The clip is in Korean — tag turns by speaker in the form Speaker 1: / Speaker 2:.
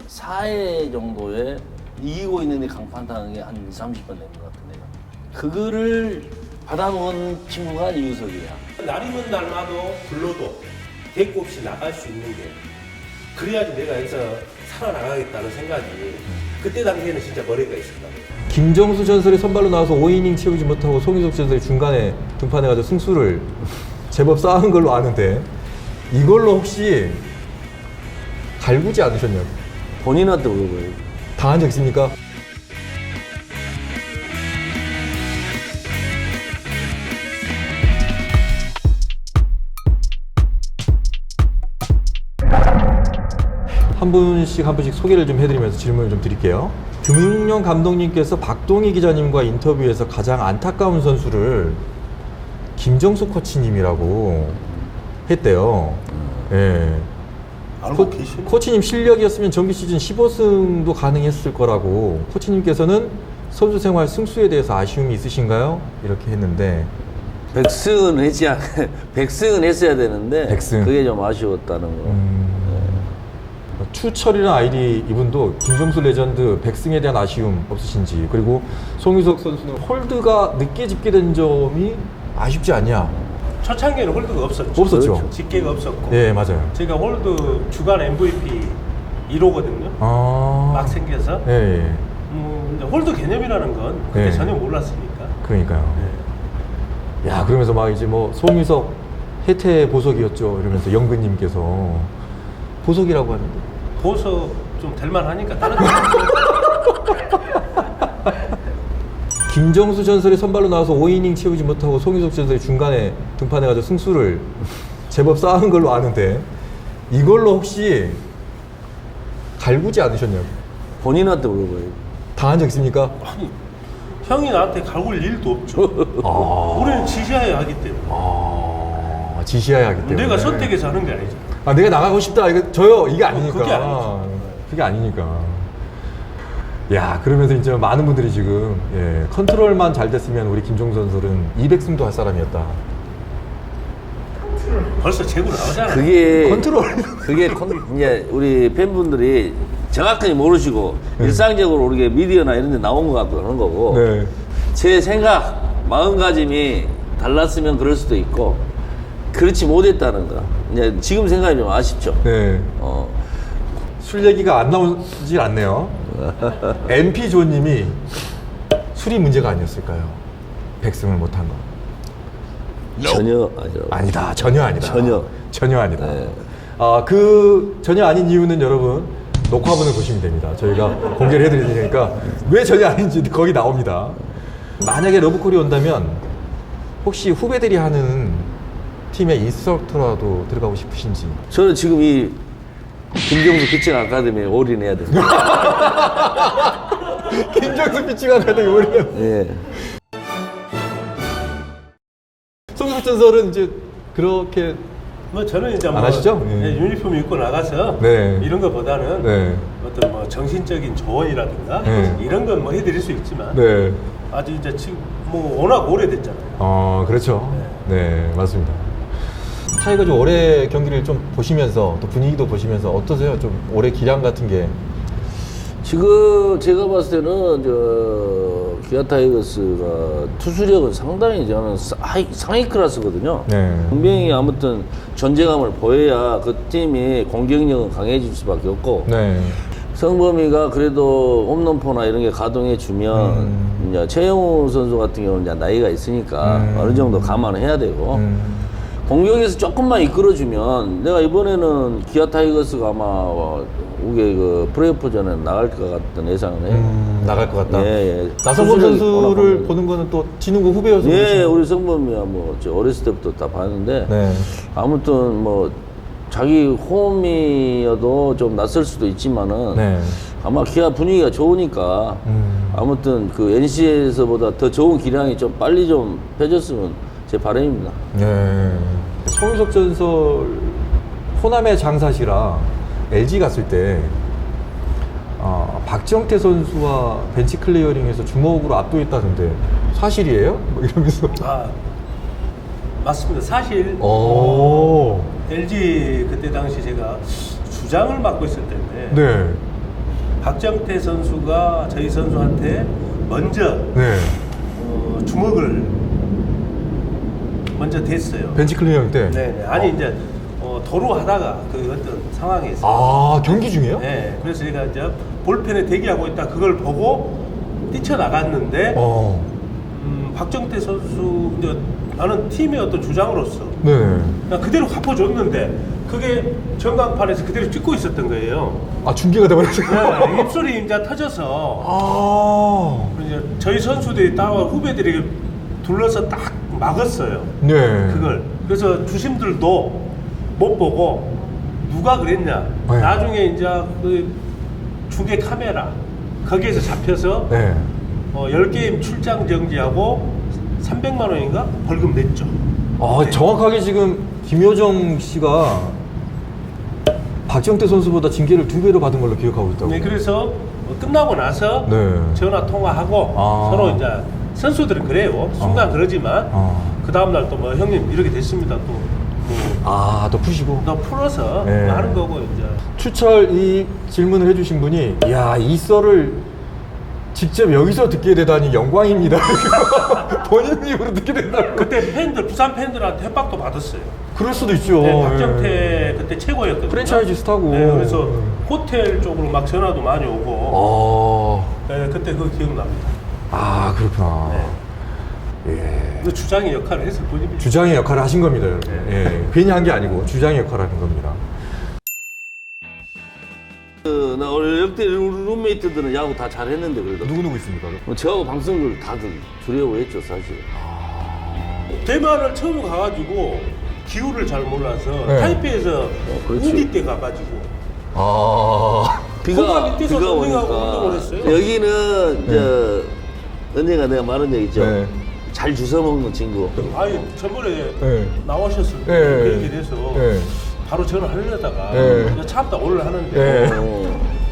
Speaker 1: 4회 정도에 이기고 있는데 강판당한 게 한 20, 30번 되는 것 같은데요. 그거를 받아먹은 친구가 이우석이야.
Speaker 2: 날이면 날마도 불러도 대꾸 없이 나갈 수 있는 게 그래야지 내가 여기서 살아나가겠다는 생각이 그때 당시에는 진짜 머리가 있었다.
Speaker 3: 김정수 전설이 선발로 나와서 5이닝 채우지 못하고 송유석 전설이 중간에 등판해가지고 승수를 제법 쌓은 걸로 아는데 이걸로 혹시 갈구지 않으셨냐고?
Speaker 1: 본인한테 물어봐요.
Speaker 3: 당한 적 있습니까? 한 분씩 소개를 좀 해드리면서 질문을 좀 드릴게요. 금융용 감독님께서 박동희 기자님과 인터뷰에서 가장 안타까운 선수를 김정수 코치님이라고 했대요. 예.
Speaker 2: 알고 계시네.
Speaker 3: 코치님 실력이었으면 정규 시즌 15승도 가능했을 거라고. 코치님께서는 선수 생활 승수에 대해서 아쉬움이 있으신가요? 이렇게 했는데
Speaker 1: 100승은 백승은 했어야 되는데
Speaker 3: 100승.
Speaker 1: 그게 좀 아쉬웠다는 거.
Speaker 3: 추철이라는 아이디 이분도 김정수 레전드 100승에 대한 아쉬움 없으신지, 그리고 송유석 선수는 홀드가 늦게 집계된 점이 아쉽지 않냐?
Speaker 2: 초창기에는 홀드가 없었죠.
Speaker 3: 없었죠.
Speaker 2: 그렇죠. 집계가 없었고.
Speaker 3: 예, 맞아요.
Speaker 2: 제가 홀드 주간 MVP 1호거든요. 막 생겨서.
Speaker 3: 예, 예.
Speaker 2: 근데 홀드 개념이라는 건 그때
Speaker 3: 예.
Speaker 2: 전혀 몰랐으니까.
Speaker 3: 그러니까요.
Speaker 2: 네.
Speaker 3: 야, 그러면서 막 이제 뭐 송유석 혜태 보석이었죠 이러면서 영근님께서 보석이라고 하는데
Speaker 2: 보석 좀 될만하니까 다른 데
Speaker 3: 김정수 전설이 선발로 나와서 5이닝 채우지 못하고 송유석 전설이 중간에 등판해가지고 승수를 제법 쌓은 걸로 아는데 이걸로 혹시 갈구지 않으셨냐고?
Speaker 1: 본인한테 물어봐요.
Speaker 3: 당한 적 있습니까?
Speaker 2: 아니 형이 나한테 갈굴 일도 없죠. 우리는 지시해야 하기 때문에.
Speaker 3: 지시해야 하기 때문에
Speaker 2: 내가 선택해서 하는 게 아니죠.
Speaker 3: 내가 나가고 싶다 이거 저요 이게 아니니까.
Speaker 2: 그게 아니죠.
Speaker 3: 그게 아니니까. 야, 그러면서 이제 많은 분들이 지금 컨트롤만 잘 됐으면 우리 김정수 선수는 200승도 할 사람이었다.
Speaker 2: 벌써 재고 나오잖아.
Speaker 1: 그게
Speaker 3: 컨트롤.
Speaker 1: 이제 우리 팬분들이 정확하게 모르시고 일상적으로 우리가 미디어나 이런 데 나온 것 같고 그런 거고
Speaker 3: 네.
Speaker 1: 제 생각, 마음가짐이 달랐으면 그럴 수도 있고 그렇지 못했다는 거. 이제 지금 생각이 좀 아쉽죠.
Speaker 3: 네. 술 얘기가 안 나오질 않네요. MP 조님이 술이 문제가 아니었을까요? 100승을 못한 거.
Speaker 1: 전혀 아니죠.
Speaker 3: 아니다. 전혀 아니다. 전혀 아니다.
Speaker 1: 네.
Speaker 3: 그 전혀 아닌 이유는 여러분 녹화본을 보시면 됩니다. 저희가 공개를 해드릴 테니까 왜 전혀 아닌지 거기 나옵니다. 만약에 러브콜이 온다면 혹시 후배들이 하는 팀의 인스트럭터라도 들어가고 싶으신지.
Speaker 1: 저는 지금 이 김정수 피칭 아카데미에 올인해야 됩니다.
Speaker 3: 김정수 피칭 아카데미 올인.
Speaker 1: 예.
Speaker 3: 송유석 전설은 이제 그렇게
Speaker 2: 뭐 저는 이제
Speaker 3: 안 하시죠? 예.
Speaker 2: 유니폼 입고 나가서
Speaker 3: 네.
Speaker 2: 이런 것보다는
Speaker 3: 네.
Speaker 2: 어떤 뭐 정신적인 조언이라든가
Speaker 3: 네.
Speaker 2: 이런 건 뭐 해드릴 수 있지만
Speaker 3: 네.
Speaker 2: 아주 이제 지금 뭐 워낙 오래됐잖아요.
Speaker 3: 그렇죠. 네, 맞습니다. 타이거즈 올해 경기를 좀 보시면서 또 분위기도 보시면서 어떠세요? 좀 올해 기량 같은 게.
Speaker 1: 지금 제가 봤을 때는 기아 타이거스가 투수력은 상당히 저는 상위 클래스거든요.
Speaker 3: 네.
Speaker 1: 분명히 아무튼 존재감을 보여야 그 팀이 공격력은 강해질 수밖에 없고
Speaker 3: 네.
Speaker 1: 성범이가 그래도 홈런포나 이런 게 가동해 주면 이제 최영우 선수 같은 경우는 이제 나이가 있으니까 어느 정도 감안해야 되고 공격에서 조금만 이끌어주면 내가 이번에는 기아 타이거스가 아마 우게 그 플레이오프전에 나갈 것 같은 예상을 해요.
Speaker 3: 나갈 것 같다.
Speaker 1: 예.
Speaker 3: 나성범
Speaker 1: 수술이
Speaker 3: 선수를
Speaker 1: 워낙
Speaker 3: 보는 거는 또 진우고 후배여서.
Speaker 1: 예,
Speaker 3: 그러시나요?
Speaker 1: 우리 성범이야 뭐 저 어렸을 때부터 다 봤는데
Speaker 3: 네.
Speaker 1: 아무튼 뭐 자기 홈이어도 좀 낯설 수도 있지만은
Speaker 3: 네.
Speaker 1: 아마 기아 분위기가 좋으니까 아무튼 그 NC에서보다 더 좋은 기량이 좀 빨리 좀 펴졌으면 제 바람입니다.
Speaker 3: 네. 송유석 전설 호남의 장사시라 LG 갔을 때 박정태 선수와 벤치 클리어링에서 주먹으로 압도했다던데 사실이에요? 뭐 이러면서.
Speaker 2: 맞습니다. 사실
Speaker 3: 오.
Speaker 2: LG 그때 당시 제가 주장을 맡고 있을 때인데
Speaker 3: 네.
Speaker 2: 박정태 선수가 저희 선수한테 먼저
Speaker 3: 네.
Speaker 2: 주먹을 먼저 댔어요.
Speaker 3: 벤치 클리닝 때.
Speaker 2: 네, 아니 이제 도로 하다가 그 어떤 상황에서
Speaker 3: 아, 경기 중이에요?
Speaker 2: 네, 그래서 제가 이제 볼펜에 대기하고 있다 그걸 보고 뛰쳐나갔는데 박정태 선수 이제 나는 팀의 어떤 주장으로서
Speaker 3: 네.
Speaker 2: 그냥 그대로 갚아줬는데 그게 전광판에서 그대로 찍고 있었던 거예요.
Speaker 3: 아, 중계가 돼버렸어요?
Speaker 2: 네, 입술이 이제 터져서
Speaker 3: 아.
Speaker 2: 이제 저희 선수들이 따와 후배들이 둘러서 딱 막았어요.
Speaker 3: 네.
Speaker 2: 그걸. 그래서 주심들도 못 보고 누가 그랬냐.
Speaker 3: 네.
Speaker 2: 나중에 이제 그 중계 카메라 거기에서 잡혀서
Speaker 3: 네.
Speaker 2: 10게임 출장 정지하고 300만 원인가 벌금 냈죠.
Speaker 3: 아,
Speaker 2: 네.
Speaker 3: 정확하게 지금 김효정 씨가 박정태 선수보다 징계를 2배로 받은 걸로 기억하고 있다고.
Speaker 2: 네, 그래서 끝나고 나서
Speaker 3: 네.
Speaker 2: 전화 통화하고
Speaker 3: 아.
Speaker 2: 서로 이제 선수들은 그래요. 순간 그러지만 그 다음 날 또 뭐 형님 이렇게 됐습니다. 또
Speaker 3: 아, 또 푸시고.
Speaker 2: 너 풀어서
Speaker 3: 네.
Speaker 2: 하는 거고 이제.
Speaker 3: 추철 이 질문을 해주신 분이, 야, 이 썰을 직접 여기서 듣게 되다니 영광입니다. 본인 입으로 듣게 된다고.
Speaker 2: 그때 팬들 부산 팬들한테 협박도 받았어요.
Speaker 3: 그럴 수도 있죠.
Speaker 2: 네, 박정태
Speaker 3: 예.
Speaker 2: 그때 최고였거든요.
Speaker 3: 프랜차이즈 스타고.
Speaker 2: 네, 그래서 호텔 쪽으로 막 전화도 많이 오고. 네, 그때 그거 기억납니다.
Speaker 3: 아, 그렇구나.
Speaker 2: 네.
Speaker 3: 예.
Speaker 2: 그 주장의 역할을 했을 뿐입니다.
Speaker 3: 주장의 역할을 하신 겁니다, 여러분.
Speaker 2: 네.
Speaker 3: 예. 괜히 한 게 아니고 주장의 역할을 하는 겁니다.
Speaker 1: 나 원래 역대 룸메이트들은 야구 다 잘했는데 그래도
Speaker 3: 누구 있습니까?
Speaker 1: 뭐 저하고 방송을 다들 주려고 했죠 사실.
Speaker 2: 대만을 처음 가가지고 기후를 잘 몰라서
Speaker 3: 네.
Speaker 2: 타이페이에서
Speaker 1: 그렇지.
Speaker 2: 우기 때 가가지고
Speaker 3: 아.
Speaker 2: 거기 밑에서 런닝하고 운동을
Speaker 1: 오니까
Speaker 2: 했어요.
Speaker 1: 여기는 언젠가 내가 말한 적 있죠.
Speaker 3: 네.
Speaker 1: 잘 주워 먹는 친구.
Speaker 2: 아니 저번에
Speaker 3: 네.
Speaker 2: 나오셨을 때
Speaker 3: 네.
Speaker 2: 그 얘기를 해서
Speaker 3: 네.
Speaker 2: 바로 전화하려다가
Speaker 3: 네.
Speaker 2: 참다 오늘 하는데
Speaker 3: 네.